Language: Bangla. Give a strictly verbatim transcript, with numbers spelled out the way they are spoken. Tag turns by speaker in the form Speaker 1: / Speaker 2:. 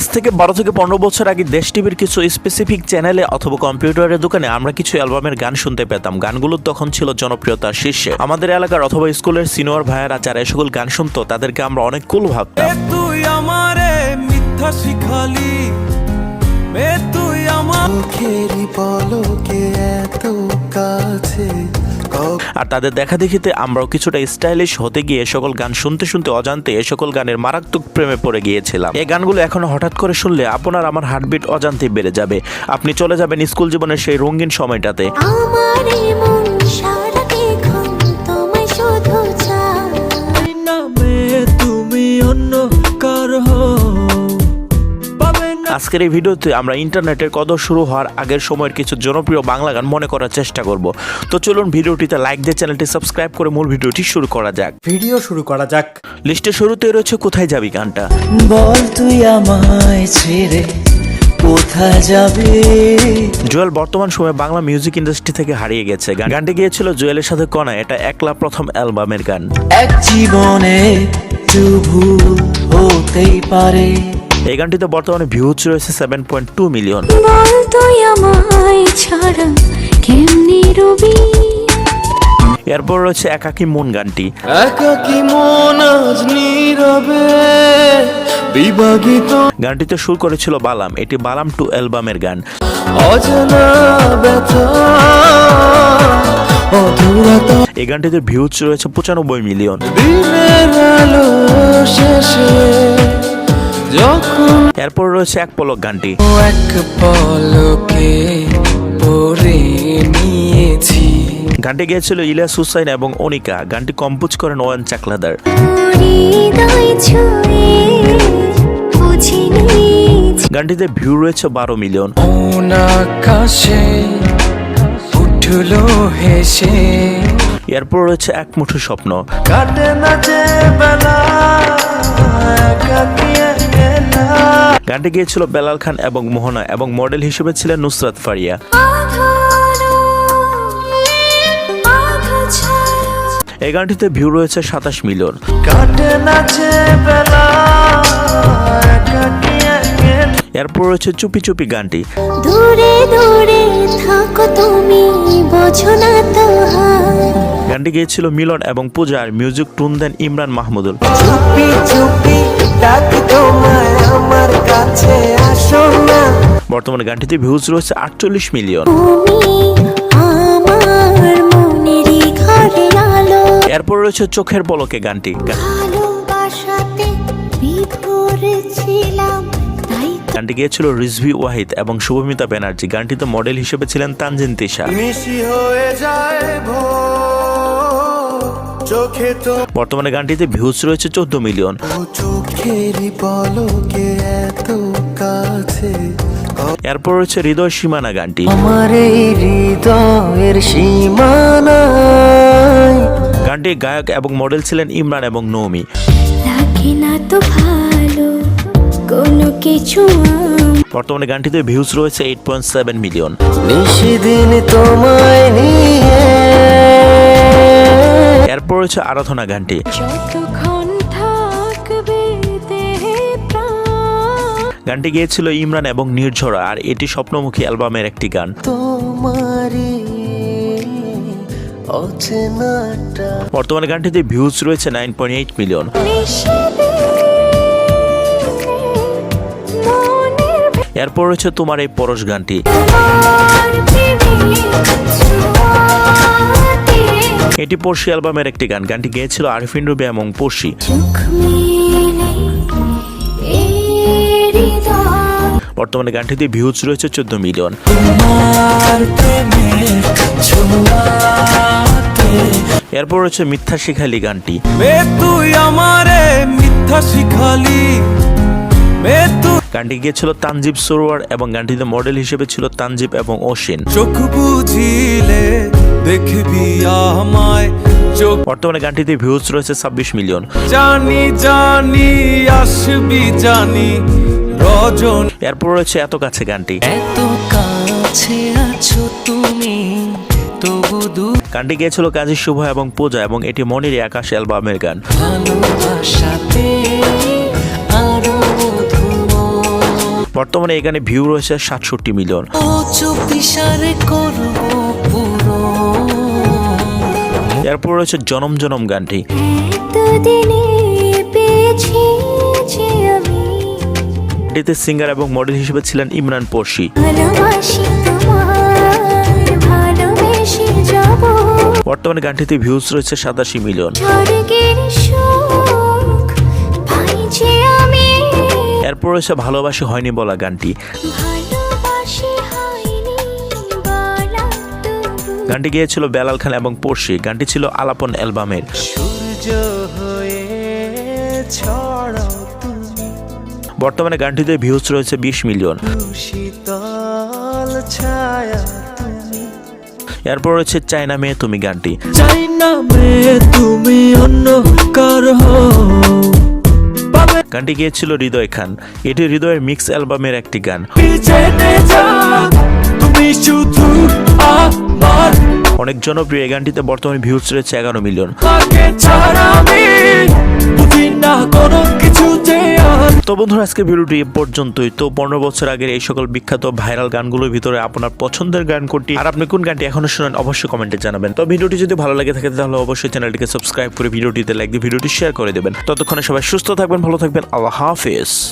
Speaker 1: থেকে বারো থেকে পনেরো বছর আগে দেশ টিভির কিছু স্পেসিফিক চ্যানেলে অথবা কম্পিউটারের দোকানে আমরা কিছু অ্যালবামের গান শুনতে পেতাম। গানগুলো তখন ছিল জনপ্রিয়তার শীর্ষে। আমাদের এলাকার অথবা স্কুলের সিনিয়র ভাইয়েরা যারা সকল গান শুনতো তাদেরকে আমরা অনেক কুল ভাবতাম।
Speaker 2: তুই আমারে মিথ্যা শিখালি, তুই আমার
Speaker 3: মুখেরই পলকে এত কাছে।
Speaker 1: আর তাদের দেখা দেখিতে আমরাও কিছুটা স্টাইলিশ হতে গিয়ে সকল গান শুনতে শুনতে অজান্তে এ সকল গানের মারাত্মক প্রেমে পড়ে গিয়েছিলাম। এই গানগুলো এখন হঠাৎ করে শুনলে আপনার আমার হার্টবিট অজান্তে বেড়ে যাবে। আপনি চলে যাবেন স্কুল জীবনের সেই রঙিন সময়টাতে।
Speaker 2: তুমি অন্য কার হও।
Speaker 1: আজকের এই ভিডিওতে আমরা ইন্টারনেটের কদর শুরু হওয়ার আগের সময়ের কিছু জনপ্রিয় বাংলা গান মনে করার চেষ্টা করব। তো চলুন ভিডিওটিতে লাইক দিয়ে চ্যানেলটি সাবস্ক্রাইব করে মূল ভিডিওটি শুরু করা যাক।
Speaker 3: ভিডিও শুরু করা যাক।
Speaker 1: লিস্টের শুরুতে রয়েছে কোথায় যাবি গানটা।
Speaker 4: বল তুই আমায় ছেড়ে কোথায় যাবে।
Speaker 1: জুয়েল বর্তমান সময়ে বাংলা মিউজিক ইন্ডাস্ট্রি থেকে হারিয়ে গেছে। গানটি গিয়েছিল জুয়েলের সাথে কণা। এটা একলা প্রথম অ্যালবামের গান।
Speaker 4: এক জীবনে ভুল হতেই পারে।
Speaker 1: এই গানটিতে বর্তমানে ভিউজ রয়েছে সেভেন পয়েন্ট টু মিলিয়ন। এরপর রয়েছে একাকী মন গানটি।
Speaker 3: একাকী মন আজ নীরবে বিভাগিত।
Speaker 1: গানটিতে সুর করেছিল বালাম। এটি বালাম টু অ্যালবামের গান।
Speaker 3: অজানা ব্যথা অধুরতা।
Speaker 1: এই গানটিতে ভিউজ রয়েছে পঁচানব্বই মিলিয়ন।
Speaker 3: দিনের আলো শেষে যখন
Speaker 1: এরপর রয়েছে এক পলক গানটি।
Speaker 4: এক পলকে পড়ে নিয়েছি।
Speaker 1: গানটি গেয়েছিল ইলিয়াস হুসাইন এবং অনিকা। গানটি কম্পোজ করেন ওয়ান চাকলাদার। গানটিতে ভিউ রয়েছে বারো মিলিয়ন।
Speaker 4: আকাশে উঠলো হেসে।
Speaker 1: এরপর রয়েছে এক মুঠো স্বপ্ন।
Speaker 3: কাটে না যে বেলা একাকী একলা।
Speaker 1: গানটি গিয়েছিল বেলাল খান এবং মোহনা এবং মডেল হিসেবে ছিলেন নুসরাত ফারিয়া। এই গানটিতে ভিউ রয়েছে সাতাশ মিলিয়ন।
Speaker 3: কাটে না যে বেলা একাকী একলা।
Speaker 1: এরপর রয়েছে চুপি চুপি গানটি।
Speaker 5: দূরে দূরে থাকো তুমি বোঝো না তো।
Speaker 1: গানটি গিয়েছিল মিলন এবং পূজার। মিউজিক টুন দেন ইমরান মাহমুদুল।
Speaker 3: চুপি চুপি ডাকি তোমায় আমার কাছে আসো না।
Speaker 1: বর্তমানে গানটিতে ভিউজ রয়েছে আটচল্লিশ মিলিয়ন। এরপর রয়েছে চোখের পলকে গানটি। গানটি গিয়েছিল রিজভি ওয়াহিদ এবং শুভমিতা ব্যানার্জি। গানটিতে মডেল হিসেবে ছিলেন তানজিন তিশা।
Speaker 3: মিশি হয়ে যায় ভোর চোখে তো।
Speaker 1: বর্তমানে গানটিতে ভিউজ রয়েছে চোদ্দ মিলিয়ন।
Speaker 3: চোখেরই পলকে এত কাছে।
Speaker 1: এরপর রয়েছে হৃদয় সীমানা গানটি।
Speaker 4: আমার এই হৃদয়ের সীমানায়।
Speaker 1: গানটির গায়ক এবং মডেল ছিলেন ইমরান এবং নৌমি।
Speaker 5: লাগে না তো ভালো কোনো কিছু।
Speaker 1: বর্তমানে গানটিতে ভিউজ রয়েছে এইট পয়েন্ট সেভেন মিলিয়ন।
Speaker 4: নিশিদিন তোমায় নিয়ে।
Speaker 1: এরপর রয়েছে আরাধনা গানটি।
Speaker 5: যতক্ষণ থাকবে দেহে প্রাণ।
Speaker 1: গানটি গিয়েছিল ইমরান এবং নির্ঝরা আর এটি স্বপ্নমুখী অ্যালবামের একটি গান।
Speaker 4: তোমারই অচেনাটা।
Speaker 1: বর্তমানে গানটিতে ভিউজ রয়েছে নাইন পয়েন্ট এইট মিলিয়ন। এরপর রয়েছে তোমার এই পরশ গানটি। এটি পড়শি অ্যালবামের একটি গান। গানটি গেয়েছিল আরিফিন রুবি এবং পড়শি। বর্তমানে গানটিতে ভিউজ রয়েছে চোদ্দ মিলিয়ন। এরপর রয়েছে মিথ্যা শিখালি গানটি।
Speaker 2: তুই আমারে মিথ্যা শিখালি।
Speaker 1: গানটি গিয়েছিল তানজিব সরোয়ার এবং গানটিতে মডেল হিসেবে ছিল তানজিব এবং অশ্বিন।
Speaker 2: চোখ বুঝিলে দেখবি আমায়।
Speaker 1: বর্তমানে গানটিতে ভিউজ রয়েছে ছাব্বিশ মিলিয়ন।
Speaker 2: জানি জানি আসবি জানি রজন।
Speaker 1: এরপর রয়েছে এত কাছে গানটি।
Speaker 4: এত কাছে আছো তুমি তবু দূর।
Speaker 1: গানটি গিয়েছিল কাজী শুভ এবং পূজা এবং এটি মনির আকাশ অ্যালবামের গান।
Speaker 4: ভালোবাসাতে আরো
Speaker 1: বর্তমানে এই গানে ভিউ রয়েছে সাতষট্টি মিলিয়ন।
Speaker 4: ও চুপিসারে করবো পুরো।
Speaker 1: এরপর রয়েছে জনম জনম গানটি।
Speaker 5: এতদিনে পেয়েছি যে আমি
Speaker 1: এটিতে সিঙ্গার এবং মডেল হিসেবে ছিলেন ইমরান পড়শি।
Speaker 5: ভালোবাসি তোমায়, ভালোবেসে যাব
Speaker 1: বর্তমানে গানটিতে ভিউজ রয়েছে সাতাশি মিলিয়ন।
Speaker 5: স্বর্গের সুখ পাই যে আমি,
Speaker 1: এরপর রয়েছে ভালোবাসি হয়নি বলা গানটি।
Speaker 5: ভালোবাসি হয়নি বলা তবু।
Speaker 1: গানটি গিয়েছিল বেলাল খান এবং পড়শি। গানটি ছিল আলাপন অ্যালবামের।
Speaker 3: সূর্য হয়ে ছড়াও তুমি
Speaker 1: বর্তমানে গানটিতে ভিউজ রয়েছে বিশ মিলিয়ন।
Speaker 3: শীতল ছায়া তুমি
Speaker 1: এরপর রয়েছে চায়না মেয়ে তুমি গানটি।
Speaker 3: চাই না মেয়ে তুমি অন্য কার হও।
Speaker 1: গানটি গিয়েছিল হৃদয় খান। এটি হৃদয়ের মিক্স অ্যালবামের একটি গান।
Speaker 3: জেনে যাও তুমি শুধু আমার,
Speaker 1: অনেক জনপ্রিয় এই গানটিতে বর্তমানে ভিউজ রয়েছে এগারো মিলিয়ন।
Speaker 3: তাকে ছাড়া আমি বুঝি না কোনো কিছু যে আর।
Speaker 1: তো বন্ধুরা, আজকে ভিডিওটি এ পর্যন্তই। তো পনেরো বছর আগের এই সকল বিখ্যাত ভাইরাল গানগুলোর ভিতরে আপনার পছন্দের গান কোনটি আর আপনি কোন গানটি এখনো শুনেন অবশ্যই কমেন্টে জানাবেন। তো ভিডিওটি যদি ভালো লাগে থাকে তাহলে অবশ্যই চ্যানেলটিকে সাবস্ক্রাইব করে ভিডিওটিতে লাইক দিয়ে ভিডিওটি শেয়ার করে দেবেন। ততক্ষণে সবাই সুস্থ থাকবেন, ভালো থাকবেন। আল্লাহ হাফেজ।